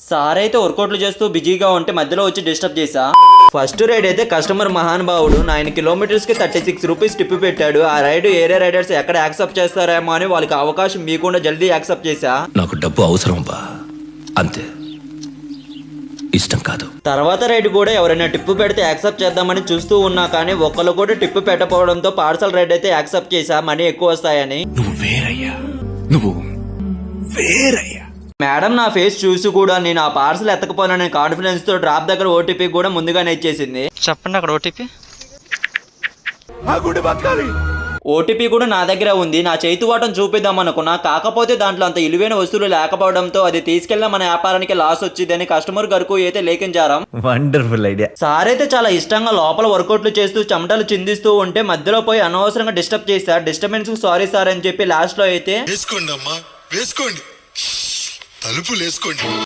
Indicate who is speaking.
Speaker 1: Sir అయితే వర్కౌట్లు చేస్తూ బిజీగా ఉంటే మధ్యలో వచ్చి డిస్టర్బ్ చేశా. ఫస్ట్ రైడ్ అయితే కస్టమర్ మహానుభావుడు 9 కిలోమీటర్స్ కి 36 రూపీస్ టిప్ పెట్టాడు. ఆ రైడ్ ఏరియా రైడర్స్ ఎక్కడ యాక్సెప్ట్ చేస్తారేమో అని వాళ్ళకి అవకాశం మీకుండా జల్దీ యాక్సెప్ట్ చేశా.
Speaker 2: నాకు డబ్బు అవసరం బా, అంతే, ఇష్టం కాదు.
Speaker 1: తర్వాత రైడ్ కూడా ఎవరైనా టిప్పు పెడితే యాక్సెప్ట్ చేద్దామని చూస్తూ ఉన్నా కానీ ఒక్కళ్ళు కూడా టిప్పు పెట్టకపోవడంతో పార్సల్ రైడ్ అయితే యాక్సెప్ట్ చేశా, మనీ ఎక్కువ వస్తాయని.
Speaker 2: నువ్వు వేరయ్యా, నువ్వు వేరయ్యా.
Speaker 1: మేడం నా ఫేస్ చూసి కూడా నేను ఆ పార్సల్ ఎత్తకపోయినా కాన్ఫిడెన్స్ తో డ్రాప్ దగ్గర ఓటీపీ కూడా ముందుగానే ఇచ్చేసింది.
Speaker 3: చెప్పండి అక్కడ
Speaker 1: ఓటీపీ కూడా నా దగ్గర ఉంది. నా చేతి వాటం చూపిద్దాం అనుకున్నా, కాకపోతే దాంట్లో అంత ఇలువైన వస్తువులు లేకపోవడంతో అది తీసుకెళ్ళిన మన వ్యాపారానికి లాస్ వచ్చిందని కస్టమర్ గారికి అయితే లేఖించారాం.
Speaker 4: Wonderful idea.
Speaker 1: సార్ అయితే చాలా ఇష్టంగా లోపల వర్కౌట్లు చేస్తూ చెమటలు చిందిస్తూ ఉంటే మధ్యలో పోయి అనవసరంగా డిస్టర్బ్ చేశారు. డిస్టర్బెన్స్ సారీ సార్ అని చెప్పి లాస్ట్ లో అయితే
Speaker 5: వేసుకోండి అమ్మా, వేసుకోండి, తలుపులు వేసుకోండి.